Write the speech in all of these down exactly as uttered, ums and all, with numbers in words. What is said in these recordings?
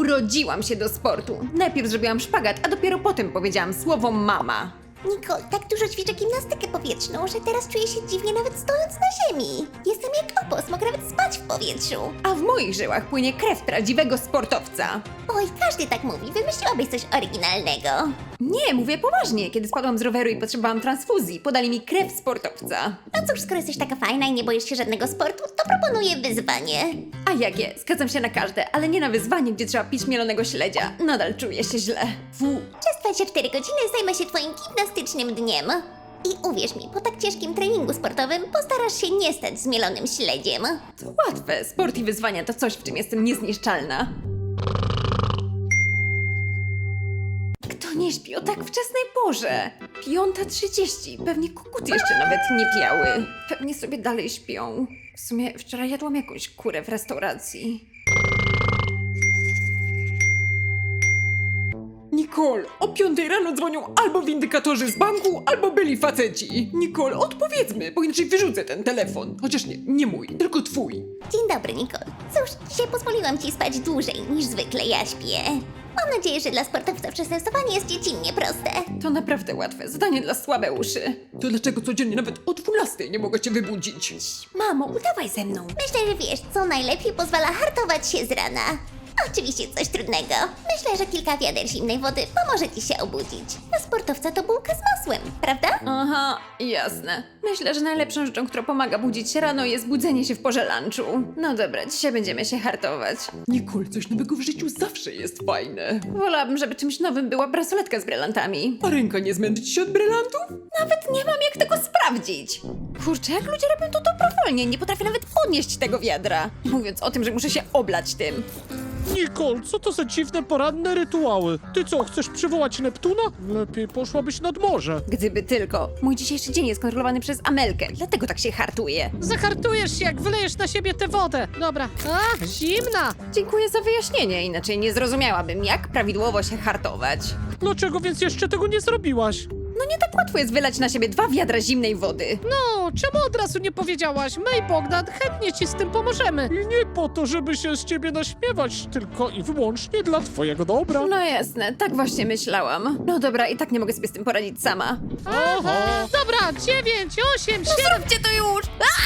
Urodziłam się do sportu. Najpierw zrobiłam szpagat, a dopiero potem powiedziałam słowo mama. Nicole, tak dużo ćwiczę gimnastykę powietrzną, że teraz czuję się dziwnie nawet stojąc na ziemi. Jestem jak opos, mogę nawet spać w powietrzu. A w moich żyłach płynie krew prawdziwego sportowca. Oj, każdy tak mówi, wymyśliłabyś coś oryginalnego. Nie, mówię poważnie. Kiedy spadłam z roweru i potrzebowałam transfuzji, podali mi krew sportowca. No cóż, skoro jesteś taka fajna i nie boisz się żadnego sportu, to proponuję wyzwanie. A jakie? Zgadzam się na każde, ale nie na wyzwanie, gdzie trzeba pić mielonego śledzia. Nadal czuję się źle. Fu. Przez dwadzieścia cztery godziny zajmę się twoim gimnastycznym dniem. I uwierz mi, po tak ciężkim treningu sportowym postarasz się nie stać zmielonym śledziem. To łatwe. Sport i wyzwania to coś, w czym jestem niezniszczalna. Kto nie śpi o tak wczesnej porze? Piąta trzydzieści. Pewnie koguty jeszcze nawet nie piały. Pewnie sobie dalej śpią. W sumie wczoraj jadłam jakąś kurę w restauracji. Nicole, o piątej rano dzwonią albo windykatorzy z banku, albo byli faceci. Nicole, odpowiedzmy, bo inaczej wyrzucę ten telefon. Chociaż nie, nie mój, tylko twój. Dzień dobry, Nicole. Cóż, dzisiaj pozwoliłam ci spać dłużej niż zwykle ja śpię. Mam nadzieję, że dla sportowca wczesne wstawanie jest dziecinnie proste. To naprawdę łatwe, zadanie dla słabe uszy. To dlaczego codziennie nawet o dwunastej nie mogę cię wybudzić? Mamo, udawaj ze mną. Myślę, że wiesz, co najlepiej pozwala hartować się z rana. Oczywiście coś trudnego. Myślę, że kilka wiader zimnej wody pomoże ci się obudzić. Dla sportowca to bułka z masłem, prawda? Aha, jasne. Myślę, że najlepszą rzeczą, która pomaga budzić się rano, jest budzenie się w porze lunchu. No dobra, dzisiaj będziemy się hartować. Nicole, coś nowego w życiu zawsze jest fajne. Wolałabym, żeby czymś nowym była bransoletka z brylantami. A ręka nie zmęczy ci się od brylantów? Nawet nie mam jak tego sprawdzić. Kurczę, jak ludzie robią to dobrowolnie, nie potrafię nawet podnieść tego wiadra. Nie mówiąc o tym, że muszę się oblać tym. Nicole, co to za dziwne poranne rytuały? Ty co, chcesz przywołać Neptuna? Lepiej poszłabyś nad morze. Gdyby tylko. Mój dzisiejszy dzień jest kontrolowany przez Amelkę, dlatego tak się hartuje. Zahartujesz się, jak wylejesz na siebie tę wodę. Dobra. A, zimna. Dziękuję za wyjaśnienie, inaczej nie zrozumiałabym, jak prawidłowo się hartować. Dlaczego więc jeszcze tego nie zrobiłaś? No nie tak łatwo jest wylać na siebie dwa wiadra zimnej wody. No, czemu od razu nie powiedziałaś? My i Bogdan chętnie ci z tym pomożemy. I nie po to, żeby się z ciebie naśmiewać, tylko i wyłącznie dla twojego dobra. No jasne, tak właśnie myślałam. No dobra, i tak nie mogę sobie z tym poradzić sama. Aha. Dobra, dziewięć, osiem, siedem. Zróbcie to już!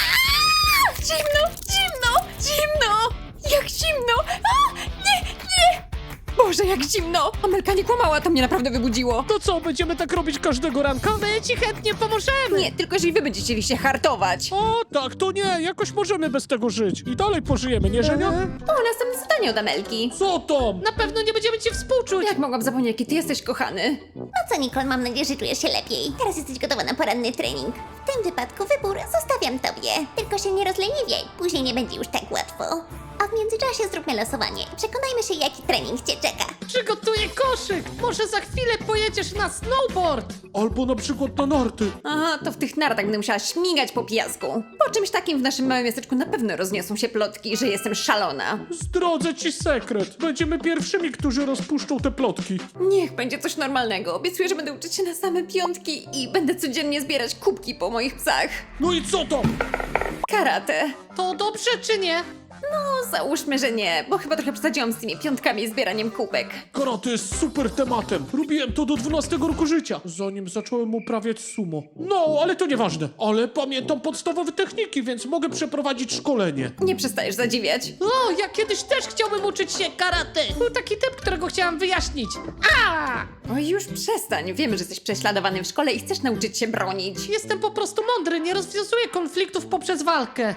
Aaaa! Zimno, zimno, zimno! Jak zimno! A! Nie, nie! Boże, jak zimno! Amelka nie kłamała, to mnie naprawdę wybudziło. To co, będziemy tak robić każdego ranka? My ci chętnie pomożemy. Nie, tylko jeżeli wy będziecie chcieli się hartować. O, tak, to nie, jakoś możemy bez tego żyć. I dalej pożyjemy, nie Żenia? O, następne zadanie od Amelki. Co tam? Na pewno nie będziemy ci współczuć. Jak mogłam zapomnieć, jaki ty jesteś kochany? No co, Nicole, mam nadzieję, że czujesz się lepiej. Teraz jesteś gotowa na poranny trening. W tym wypadku wybór zostawiam tobie. Tylko się nie rozleniwiaj, później nie będzie już tak łatwo. A w międzyczasie zróbmy losowanie i przekonajmy się, jaki trening cię czeka. Przygotuję koszyk. Może za chwilę pojedziesz na snowboard. Albo na przykład na narty. Aha, to w tych nartach będę musiała śmigać po piasku. Po czymś takim w naszym małym miasteczku na pewno rozniosą się plotki, że jestem szalona. Zdradzę ci sekret. Będziemy pierwszymi, którzy rozpuszczą te plotki. Niech będzie coś normalnego. Obiecuję, że będę uczyć się na same piątki i będę codziennie zbierać kubki po moich psach. No i co tam? Karate. To dobrze czy nie? No, załóżmy, że nie, bo chyba trochę przesadziłam z tymi piątkami i zbieraniem kubek. Karate jest super tematem. Robiłem to do dwunastego roku życia, zanim zacząłem uprawiać sumo. No, ale to nieważne. Ale pamiętam podstawowe techniki, więc mogę przeprowadzić szkolenie. Nie przestajesz zadziwiać. O, ja kiedyś też chciałbym uczyć się karate. Był taki typ, którego chciałam wyjaśnić. A! Oj, już przestań. Wiemy, że jesteś prześladowany w szkole i chcesz nauczyć się bronić. Jestem po prostu mądry, nie rozwiązuję konfliktów poprzez walkę.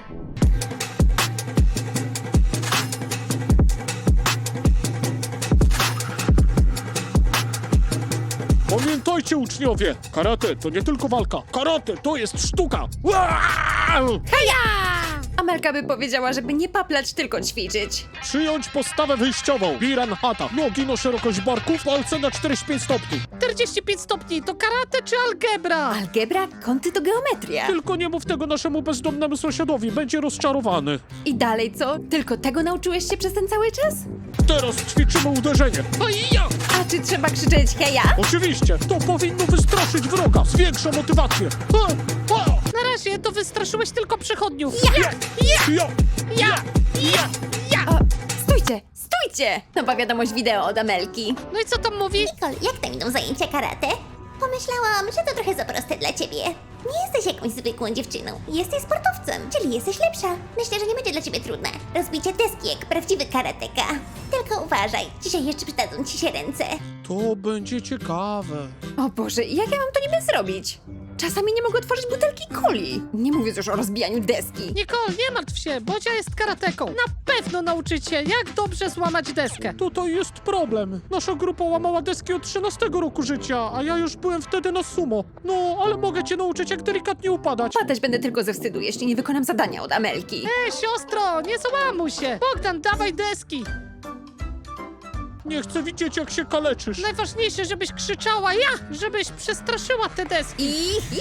Pamiętajcie, uczniowie, karate to nie tylko walka. Karate to jest sztuka. Wow! Amelka by powiedziała, żeby nie paplać, tylko ćwiczyć. Przyjąć postawę wyjściową. Biran hata. Nogi na szerokość barków, palce na czterdzieści pięć stopni. czterdzieści pięć stopni to karate czy algebra? Algebra, kąty to geometria. Tylko nie mów tego naszemu bezdomnemu sąsiadowi, będzie rozczarowany. I dalej co? Tylko tego nauczyłeś się przez ten cały czas? Teraz ćwiczymy uderzenie. Hej-ja! A czy trzeba krzyczeć heja? Oczywiście, to powinno wystraszyć wroga, zwiększa motywację. Ha, ha, Na razie to wystraszyłeś tylko przechodniów. ja, ja, Ja! Ja! Ja! O, stójcie, stójcie! Patrzcie! Nowa wiadomość wideo od Amelki. No i co tam mówi? Nicole, jak tam idą zajęcia karate? Pomyślałam, że to trochę za proste dla ciebie. Nie jesteś jakąś zwykłą dziewczyną. Jesteś sportowcem, czyli jesteś lepsza. Myślę, że nie będzie dla ciebie trudne. Rozbicie deski jak prawdziwy karateka. Tylko uważaj, dzisiaj jeszcze przydadzą ci się ręce. To będzie ciekawe. O Boże, jak ja mam to niby zrobić? Czasami nie mogę otworzyć butelki coli. Nie mówiąc już o rozbijaniu deski. Nicole, nie martw się, Bodzia jest karateką. Na pewno nauczy cię, jak dobrze złamać deskę. Tutaj jest problem. Nasza grupa łamała deski od trzynastego roku życia, a ja już byłem wtedy na sumo. No, ale mogę cię nauczyć, jak delikatnie upadać. Padać będę tylko ze wstydu, jeśli nie wykonam zadania od Amelki. Ej, siostro, nie załamuj się. Bogdan, dawaj deski. Nie chcę widzieć, jak się kaleczysz. Najważniejsze, żebyś krzyczała ja, żebyś przestraszyła te deski. I... i-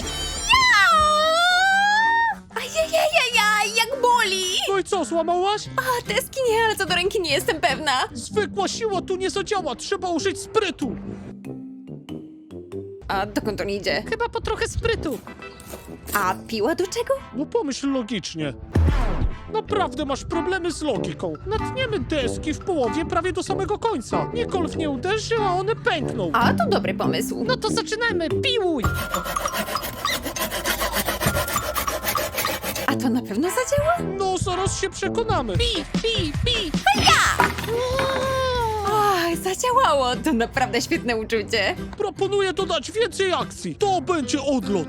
Ajajajajaj, jak boli! No i co, złamałaś? A, deski nie, ale co do ręki nie jestem pewna. Zwykła siła tu nie zadziała, trzeba użyć sprytu. A dokąd on idzie? Chyba po trochę sprytu. A piła do czego? No pomyśl logicznie. Naprawdę masz problemy z logiką. Natniemy deski w połowie prawie do samego końca. Nicole w nie uderzy, a one pękną. A, to dobry pomysł. No to zaczynajmy, piłuj. A to na pewno zadziała? No, zaraz się przekonamy. Pi, pi, pi. Ach, zadziałało. To naprawdę świetne uczucie. Proponuję dodać więcej akcji. To będzie odlot.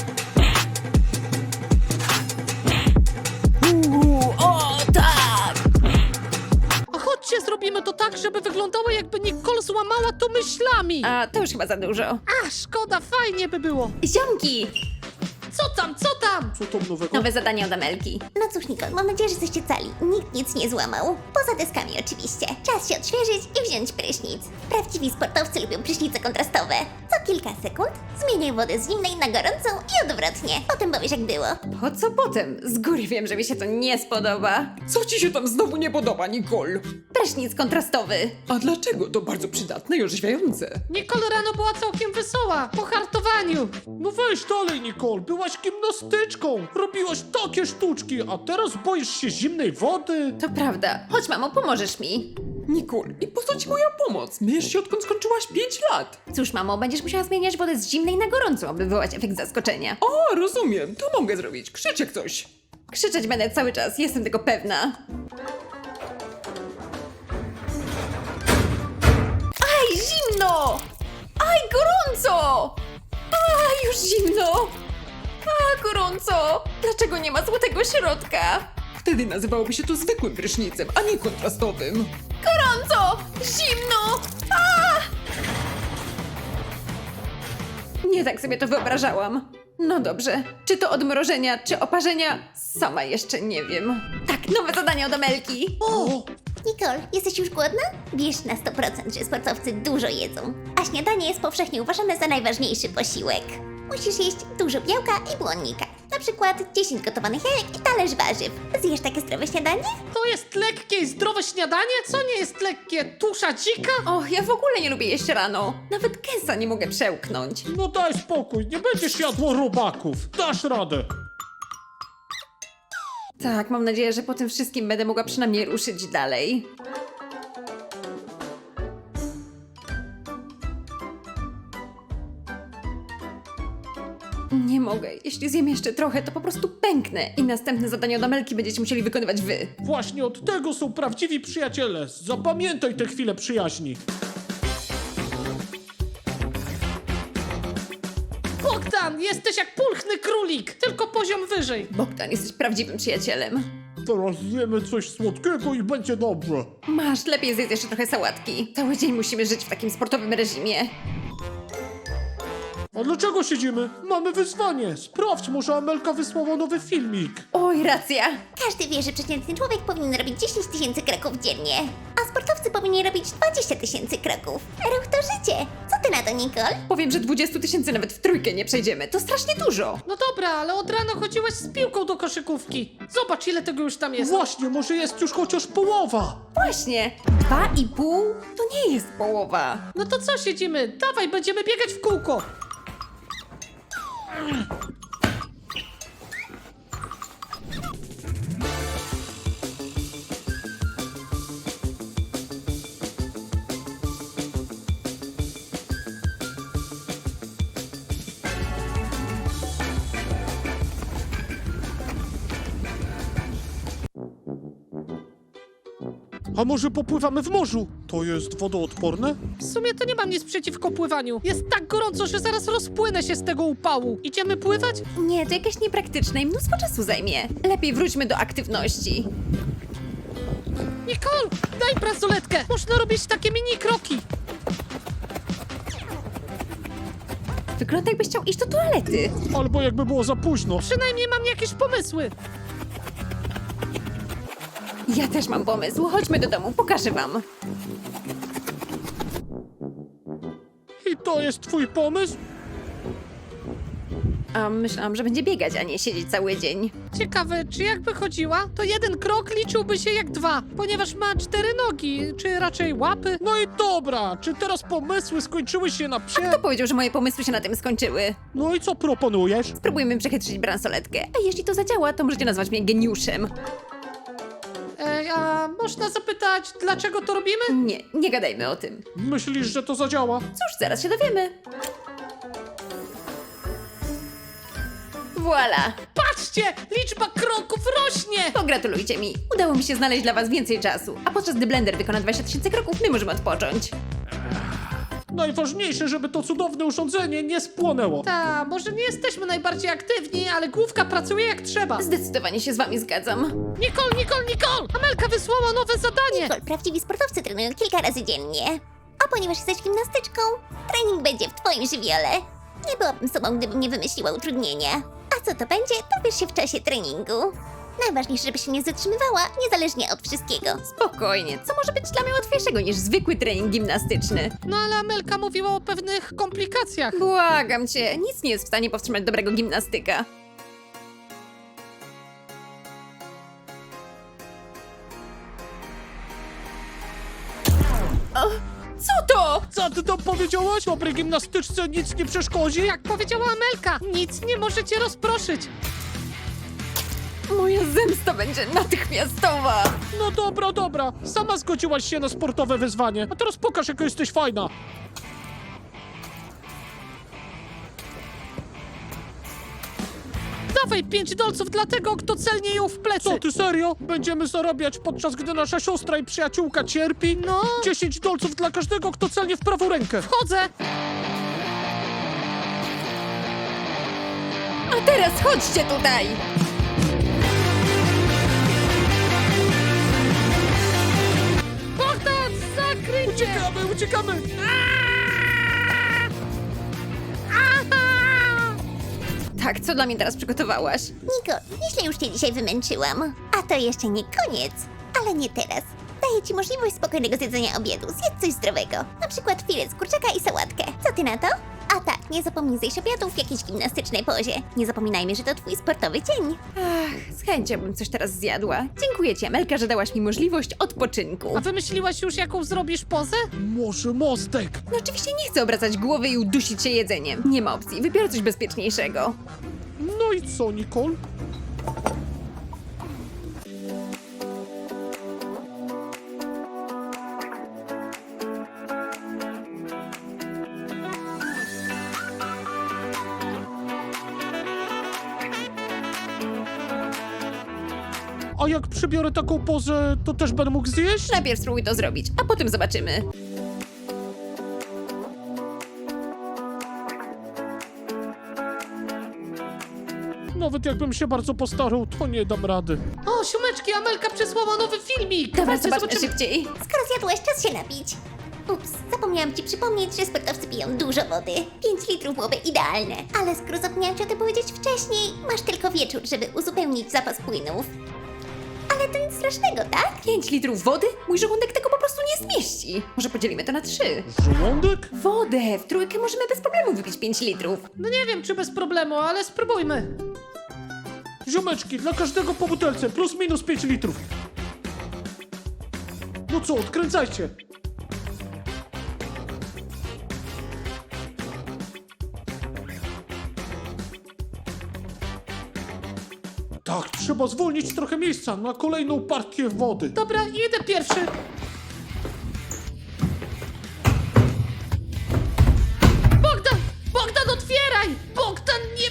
Uuu, o tak! A chodźcie, zrobimy to tak, żeby wyglądało, jakby Nicole złamała to myślami. A, to już chyba za dużo. A, szkoda, fajnie by było. Ziomki! Co tam, co tam? Co tam nowego? Nowe zadanie od Amelki. No cóż, Nicole, mam nadzieję, że jesteście cali. Nikt nic nie złamał. Poza deskami oczywiście. Czas się odświeżyć i wziąć prysznic. Prawdziwi sportowcy lubią prysznice kontrastowe. Co kilka sekund zmieniaj wodę z zimnej na gorącą i odwrotnie. Potem powiesz, jak było. Po co potem? Z góry wiem, że mi się to nie spodoba. Co ci się tam znowu nie podoba, Nicole? Prysznic kontrastowy. A dlaczego? To bardzo przydatne i orzeźwiające. Nicole rano była całkiem wesoła, po hartowaniu. No weź dalej, Nicole. Byłaś gimnastyczką. Robiłaś takie sztuczki, a teraz boisz się zimnej wody? To prawda. Chodź, mamo, pomożesz mi. Nicole, i po co ci moja pomoc? Myjesz się odkąd skończyłaś pięć lat. Cóż, mamo, będziesz musiała zmieniać wodę z zimnej na gorącą, aby wywołać efekt zaskoczenia. O, rozumiem, to mogę zrobić. Krzycz jak coś. Krzyczeć będę cały czas, jestem tego pewna. Aj, zimno! Aj, gorąco! Aj, już zimno! A, gorąco! Dlaczego nie ma złotego środka? Wtedy nazywałoby się to zwykłym prysznicem, a nie kontrastowym. Gorąco! Zimno! A! Nie tak sobie to wyobrażałam. No dobrze, czy to odmrożenia, czy oparzenia? Sama jeszcze nie wiem. Tak, nowe zadanie od Amelki. O! Nicole, jesteś już głodna? Wiesz na sto procent, że sportowcy dużo jedzą. A śniadanie jest powszechnie uważane za najważniejszy posiłek. Musisz jeść dużo białka i błonnika. Na przykład dziesięć gotowanych jajek i talerz warzyw. Zjesz takie zdrowe śniadanie? To jest lekkie i zdrowe śniadanie? Co nie jest lekkie? Tusza dzika? Och, ja w ogóle nie lubię jeść rano. Nawet kęsa nie mogę przełknąć. No daj spokój, nie będziesz jadło robaków. Dasz radę. Tak, mam nadzieję, że po tym wszystkim będę mogła przynajmniej ruszyć dalej. Nie mogę. Jeśli zjem jeszcze trochę, to po prostu pęknę i następne zadanie od Amelki będziecie musieli wykonywać wy. Właśnie od tego są prawdziwi przyjaciele. Zapamiętaj tę chwilę przyjaźni. Bogdan, jesteś jak pulchny królik, tylko poziom wyżej. Bogdan, jesteś prawdziwym przyjacielem. Teraz zjemy coś słodkiego i będzie dobrze. Masz, lepiej zjedz jeszcze trochę sałatki. Cały dzień musimy żyć w takim sportowym reżimie. A dlaczego siedzimy? Mamy wyzwanie. Sprawdź, może Amelka wysłała nowy filmik. Oj, racja. Każdy wie, że przeciętny człowiek powinien robić dziesięć tysięcy kroków dziennie, a sportowcy powinni robić dwadzieścia tysięcy kroków. Ruch to życie. Co ty na to, Nicole? Powiem, że dwudziestu tysięcy nawet w trójkę nie przejdziemy. To strasznie dużo. No dobra, ale od rana chodziłaś z piłką do koszykówki. Zobacz, ile tego już tam jest. Właśnie, może jest już chociaż połowa. Właśnie. Dwa i pół to nie jest połowa. No to co siedzimy? Dawaj, będziemy biegać w kółko. A może popływamy w morzu? To jest wodoodporne? W sumie to nie mam nic przeciwko pływaniu. Jest tak gorąco, że zaraz rozpłynę się z tego upału. Idziemy pływać? Nie, to jakieś niepraktyczne i mnóstwo czasu zajmie. Lepiej wróćmy do aktywności. Nicole, daj bransoletkę. Można robić takie mini kroki. Wygląda jakbyś chciał iść do toalety. Albo jakby było za późno. Przynajmniej mam jakieś pomysły. Ja też mam pomysł. Chodźmy do domu, pokażę wam. I to jest twój pomysł? A myślałam, że będzie biegać, a nie siedzieć cały dzień. Ciekawe, czy jakby chodziła, to jeden krok liczyłby się jak dwa, ponieważ ma cztery nogi, czy raczej łapy. No i dobra, czy teraz pomysły skończyły się na psie? Kto powiedział, że moje pomysły się na tym skończyły? No i co proponujesz? Spróbujmy przechytrzyć bransoletkę, a jeśli to zadziała, to możecie nazwać mnie geniuszem. Ej, a można zapytać, dlaczego to robimy? Nie, nie gadajmy o tym. Myślisz, że to zadziała? Cóż, zaraz się dowiemy. Voila! Patrzcie, liczba kroków rośnie! Pogratulujcie mi. Udało mi się znaleźć dla was więcej czasu, a podczas gdy blender wykona dwadzieścia tysięcy kroków, my możemy odpocząć. Najważniejsze, żeby to cudowne urządzenie nie spłonęło. Ta, może nie jesteśmy najbardziej aktywni, ale główka pracuje jak trzeba. Zdecydowanie się z wami zgadzam. Nicole, Nicole, Nicole! Amelka wysłała nowe zadanie! Nicole, prawdziwi sportowcy trenują kilka razy dziennie. A ponieważ jesteś gimnastyczką, trening będzie w twoim żywiole. Nie byłabym sobą, gdybym nie wymyśliła utrudnienia. A co to będzie, dowiesz się w czasie treningu. Najważniejsze, żeby się nie zatrzymywała, niezależnie od wszystkiego. Spokojnie, co może być dla mnie łatwiejszego niż zwykły trening gimnastyczny? No ale Amelka mówiła o pewnych komplikacjach. Błagam cię, nic nie jest w stanie powstrzymać dobrego gimnastyka. O, co to? Co ty tam powiedziałaś? Dobrej gimnastyczce nic nie przeszkodzi? Jak powiedziała Amelka, nic nie możecie rozproszyć. Moja zemsta będzie natychmiastowa. No dobra, dobra. Sama zgodziłaś się na sportowe wyzwanie. A teraz pokaż, jaka jesteś fajna. Dawaj pięć dolców dla tego, kto celnie ją w plecy. Co ty serio? Będziemy zarabiać podczas gdy nasza siostra i przyjaciółka cierpi? No. dziesięć dolców dla każdego, kto celnie w prawą rękę. Wchodzę. A teraz chodźcie tutaj. Bogdan, zakryj mnie! Uciekamy, uciekamy! Tak, co dla mnie teraz przygotowałaś? Nicole, nieźle już cię dzisiaj wymęczyłam. A to jeszcze nie koniec. Ale nie teraz. Daję ci możliwość spokojnego zjedzenia obiadu. Zjedz coś zdrowego. Na przykład filet z kurczaka i sałatkę. Co ty na to? A tak, nie zapomnij zjeść obiadu w jakiejś gimnastycznej pozie. Nie zapominajmy, że to twój sportowy dzień. Ach, z chęcią bym coś teraz zjadła. Dziękuję ci, Amelka, że dałaś mi możliwość odpoczynku. A wymyśliłaś już, jaką zrobisz pozę? Może mostek? No oczywiście nie chcę obracać głowy i udusić się jedzeniem. Nie ma opcji, wybiorę coś bezpieczniejszego. No i co, Nicole? A jak przybiorę taką pozę, to też będę mógł zjeść? Najpierw spróbuj to zrobić, a potem zobaczymy. Nawet jakbym się bardzo postarał, to nie dam rady. O, siumeczki, Amelka przysłała nowy filmik. Dawaj, Dawajcie, zobaczmy szybciej. Skoro zjadłeś, czas się napić. Ups, zapomniałam ci przypomnieć, że sportowcy piją dużo wody. pięć litrów byłoby idealne. Ale skoro zapomniałam ci o tym powiedzieć wcześniej, masz tylko wieczór, żeby uzupełnić zapas płynów. Ale to nic strasznego, tak? pięć litrów wody? Mój żołądek tego po prostu nie zmieści. Może podzielimy to na trzy. Żołądek? Wodę! W trójkę możemy bez problemu wypić pięć litrów. No nie wiem, czy bez problemu, ale spróbujmy. Ziomeczki, dla każdego po butelce, plus minus pięć litrów. No co, odkręcajcie. Tak, trzeba zwolnić trochę miejsca na kolejną partię wody. Dobra, idę pierwszy. Bogdan! Bogdan, otwieraj! Bogdan, nie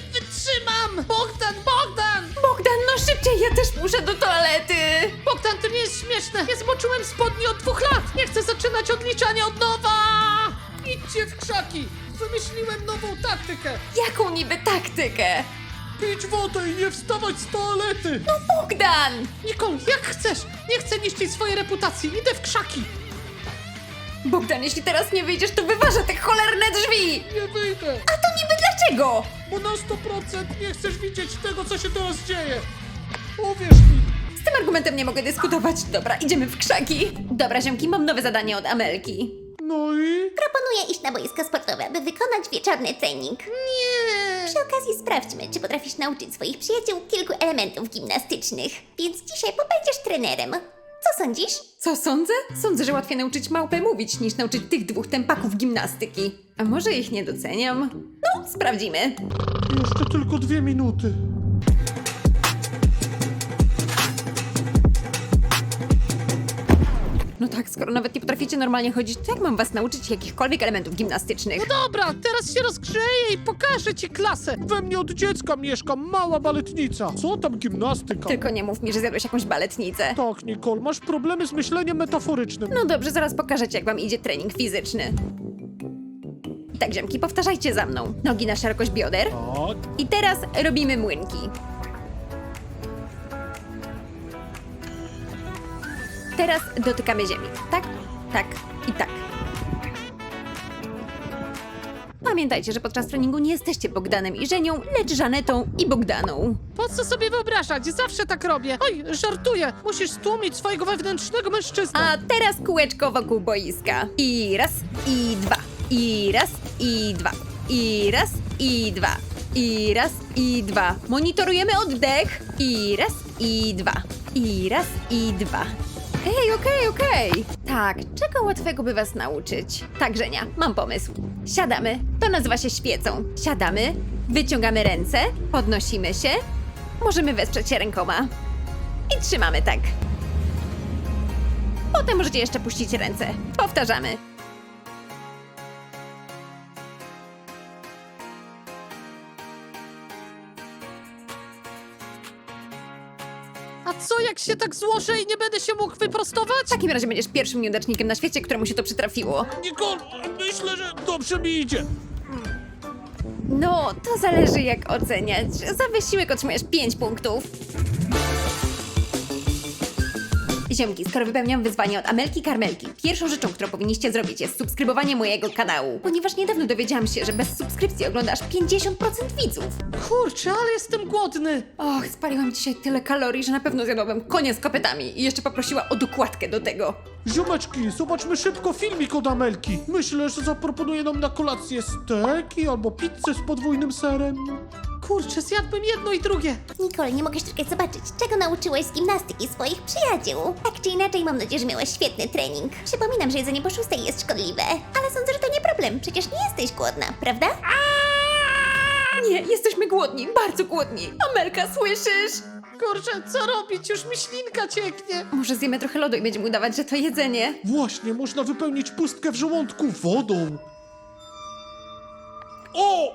wytrzymam! Bogdan, Bogdan! Bogdan, no szybciej, ja też muszę do toalety! Bogdan, to nie jest śmieszne! śmieszne! Nie zmoczyłem spodni od dwóch lat! Nie chcę zaczynać odliczania od nowa! Idźcie w krzaki! Wymyśliłem nową taktykę! Jaką niby taktykę? Pić wodę i nie wstawać z toalety! Bogdan! Nicole, jak chcesz! Nie chcę niszczyć swojej reputacji! Idę w krzaki! Bogdan, jeśli teraz nie wyjdziesz, to wyważę te cholerne drzwi! Nie wyjdę! A to niby dlaczego? Bo na sto procent nie chcesz widzieć tego, co się teraz dzieje! Uwierz mi! Z tym argumentem nie mogę dyskutować. Dobra, idziemy w krzaki. Dobra, ziomki, mam nowe zadanie od Amelki. No i... Proponuję iść na boisko sportowe, by wykonać wieczorny trening. Nie! Przy okazji sprawdźmy, czy potrafisz nauczyć swoich przyjaciół kilku elementów gimnastycznych. Więc dzisiaj pobędziesz trenerem. Co sądzisz? Co sądzę? Sądzę, że łatwiej nauczyć małpę mówić, niż nauczyć tych dwóch tępaków gimnastyki. A może ich nie doceniam? No, sprawdzimy. Jeszcze tylko dwie minuty. No tak, skoro nawet nie potraficie normalnie chodzić, to jak mam was nauczyć jakichkolwiek elementów gimnastycznych? Dobra, teraz się rozgrzeję i pokażę ci klasę! We mnie od dziecka mieszka mała baletnica. Co tam gimnastyka? Tylko nie mów mi, że zjadłeś jakąś baletnicę. Tak, Nicole, masz problemy z myśleniem metaforycznym. No dobrze, zaraz pokażę ci, jak wam idzie trening fizyczny. Tak, ziomki, powtarzajcie za mną. Nogi na szerokość bioder. Tak. I teraz robimy młynki. Teraz dotykamy ziemi. Tak, tak i tak. Pamiętajcie, że podczas treningu nie jesteście Bogdanem i Żenią, lecz Żanetą i Bogdaną. Po co sobie wyobrażać? Zawsze tak robię! Oj, żartuję! Musisz stłumić swojego wewnętrznego mężczyznę! A teraz kółeczko wokół boiska. I raz, i dwa. I raz, i dwa. I raz, i dwa. I raz, i dwa. Monitorujemy oddech. I raz, i dwa. I raz, i dwa. Ej, okej, okej. Tak, czego łatwego by was nauczyć? Tak, Żenia, mam pomysł. Siadamy, to nazywa się świecą. Siadamy, wyciągamy ręce, podnosimy się. Możemy wesprzeć się rękoma. I trzymamy tak. Potem możecie jeszcze puścić ręce. Powtarzamy. A co jak się tak złożę i nie będę się mógł wyprostować? W takim razie będziesz pierwszym nieudacznikiem na świecie, któremu się to przytrafiło. Nicole, myślę, że dobrze mi idzie. No, to zależy jak oceniać. Za wysiłek otrzymujesz pięć punktów. Ziomki, skoro wypełniam wyzwanie od Amelki Karmelki, pierwszą rzeczą, którą powinniście zrobić, jest subskrybowanie mojego kanału. Ponieważ niedawno dowiedziałam się, że bez subskrypcji oglądasz pięćdziesiąt procent widzów. Kurczę, ale jestem głodny! Och, spaliłam dzisiaj tyle kalorii, że na pewno zjadłabym konia z kopytami i jeszcze poprosiła o dokładkę do tego. Ziomeczki, zobaczmy szybko filmik od Amelki. Myślę, że zaproponuje nam na kolację steki albo pizzę z podwójnym serem. Kurczę, zjadłbym jedno i drugie! Nicole, nie mogę czekać zobaczyć, czego nauczyłeś z gimnastyki swoich przyjaciół. Tak czy inaczej, mam nadzieję, że miałeś świetny trening. Przypominam, że jedzenie po szóstej jest szkodliwe, ale sądzę, że to nie problem, przecież nie jesteś głodna, prawda? Nie, jesteśmy głodni, bardzo głodni. Amelka, słyszysz? Kurczę, co robić? Już mi ślinka cieknie! Może zjemy trochę lodu i będziemy udawać, że to jedzenie. Właśnie, można wypełnić pustkę w żołądku wodą. O!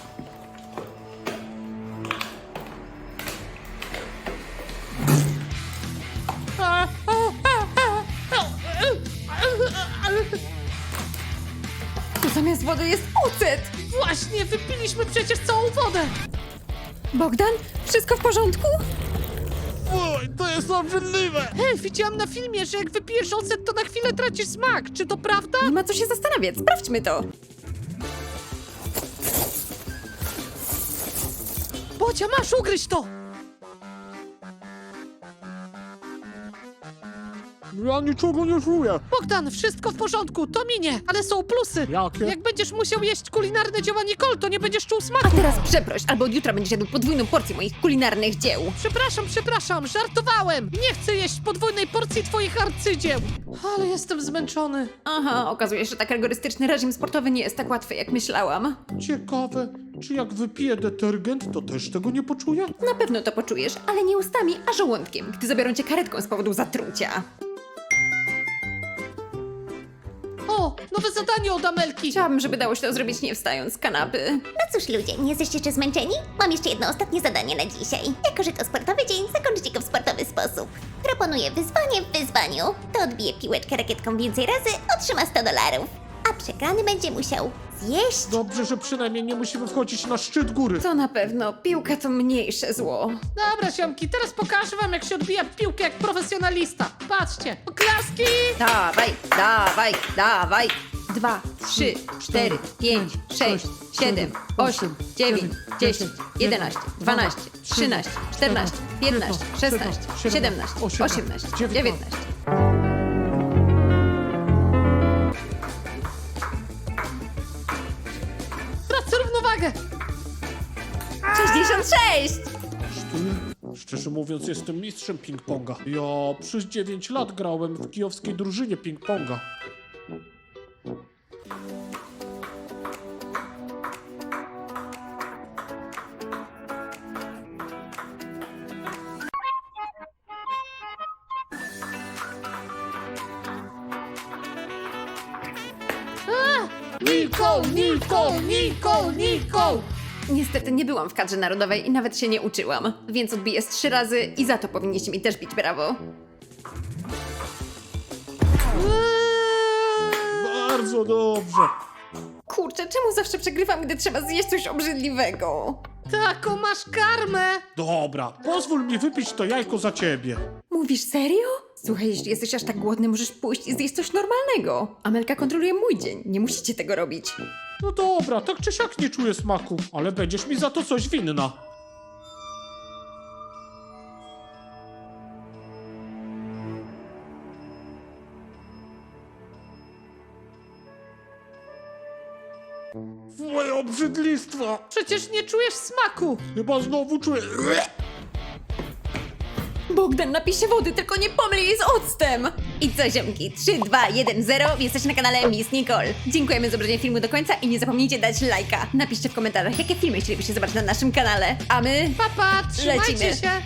A, a, a, a, a, a, Tu zamiast wody jest ocet. Właśnie, wypiliśmy przecież całą wodę! Bogdan, wszystko w porządku? Oj, to jest obrzydliwe. Hej, widziałam na filmie, że jak wypijesz ocet, to na chwilę tracisz smak. Czy to prawda? Nie ma co się zastanawiać, sprawdźmy to. Bocia, masz ugryźć to! Ja niczego nie czuję. Bogdan, wszystko w porządku, to minie, ale są plusy. Jakie? Jak będziesz musiał jeść kulinarne dzieła Nicole, to nie będziesz czuł A smaku. teraz przeproś, albo od jutra będziesz jadł podwójną porcję moich kulinarnych dzieł. Przepraszam, przepraszam, żartowałem. Nie chcę jeść podwójnej porcji twoich arcydzieł. Ale jestem zmęczony. Aha, okazuje się, że tak rygorystyczny reżim sportowy nie jest tak łatwy, jak myślałam. Ciekawe, czy jak wypiję detergent, to też tego nie poczuję? Na pewno to poczujesz, ale nie ustami, a żołądkiem, gdy zabiorą cię karetką z powodu zatrucia. O, nowe zadanie od Amelki. Chciałabym, żeby dało się to zrobić nie wstając z kanapy. No cóż ludzie, nie jesteście jeszcze zmęczeni? Mam jeszcze jedno ostatnie zadanie na dzisiaj. Jako, że to sportowy dzień, zakończycie go w sportowy sposób. Proponuję wyzwanie w wyzwaniu. Kto odbije piłeczkę rakietką więcej razy, otrzyma sto dolarów. A przegrany będzie musiał zjeść... Dobrze, że przynajmniej nie musimy wchodzić na szczyt góry. To na pewno. Piłka to mniejsze zło. Dobra, ziomki, teraz pokażę wam, jak się odbija piłkę jak profesjonalista. Patrzcie, oklaski! Dawaj, dawaj, dawaj. Dwa, trzy, cztery, pięć, sześć, siedem, osiem, dziewięć, dziesięć, jedenaście, dwanaście, trzynaście, czternaście, piętnaście, szesnaście, siedemnaście, osiemnaście, dziewiętnaście. Tracę równowagę. sześćdziesiąt sześć! Szczerze mówiąc, jestem mistrzem ping-ponga. Ja przez dziewięć lat grałem w kijowskiej drużynie ping-ponga. Nicole, Nicole, Nicole, Nicole! Niestety nie byłam w kadrze narodowej i nawet się nie uczyłam, więc odbiję z trzy razy i za to powinniście mi też bić brawo. Bardzo dobrze. Kurczę, czemu zawsze przegrywam, gdy trzeba zjeść coś obrzydliwego? Taką masz karmę! Dobra, pozwól mi wypić to jajko za ciebie. Mówisz serio? Słuchaj, jeśli jesteś aż tak głodny, możesz pójść i zjeść coś normalnego. Amelka kontroluje mój dzień, nie musicie tego robić. No dobra, tak czy siak nie czuję smaku, ale będziesz mi za to coś winna. Moje obrzydlistwo! Przecież nie czujesz smaku! Chyba znowu czuję... Bogdan, napij się wody, tylko nie pomyl jej z octem! I co, ziomki? trzy, dwa, jeden, zero. Jesteście na kanale Miss Nicole. Dziękujemy za obejrzenie filmu do końca i nie zapomnijcie dać lajka. Napiszcie w komentarzach, jakie filmy chcielibyście zobaczyć na naszym kanale. A my Papa, trzymajcie Lecimy. się!